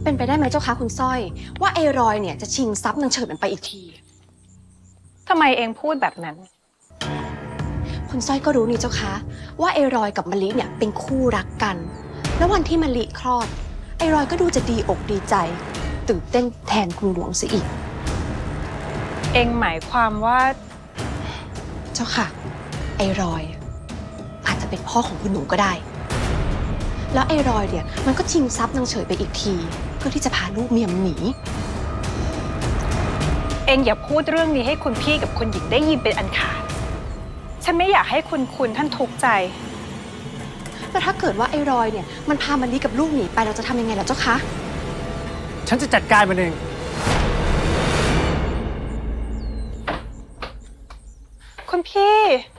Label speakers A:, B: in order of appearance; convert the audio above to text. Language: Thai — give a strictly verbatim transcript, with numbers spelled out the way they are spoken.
A: เป็นไปได้ไหมเจ้าคะคุณสร้อยว่าไอ้รอยเนี่ยจะชิงทรัพย์นางเฉิดมันไปอีกที
B: ทำไมเองพูดแบบนั้น
A: คุณสร้อยก็รู้นี่เจ้าคะว่าไอ้รอยกับมะลิเนี่ยเป็นคู่รักกัน แล้ววันที่มะลิคลอดไอ้รอยก็ดูจะดีอกดีใจตื่นเต้นแทนคุณหลวงซะอีก
B: เองหมายความว่า
A: เจ้าค่ะไอ้รอยอาจจะเป็นพ่อของคุณหนูก็ได้แล้วไอ้รอยเนี่ยมันก็ชิงทรัพย์นางเฉยไปอีกทีเพื่อที่จะพาลูกเมียมหนี
B: เองอย่าพูดเรื่องนี้ให้คุณพี่กับคุณหญิงได้ยินเป็นอันขาดฉันไม่อยากให้คุณคุณท่านทุกข์ใจ
A: แล้วถ้าเกิดว่าไอ้รอยเนี่ยมันพามะลิกับลูกหนีไปเราจะทำยังไงล่ะเจ้าคะ
C: ฉันจะจัดการมันเอง
B: คุณพี่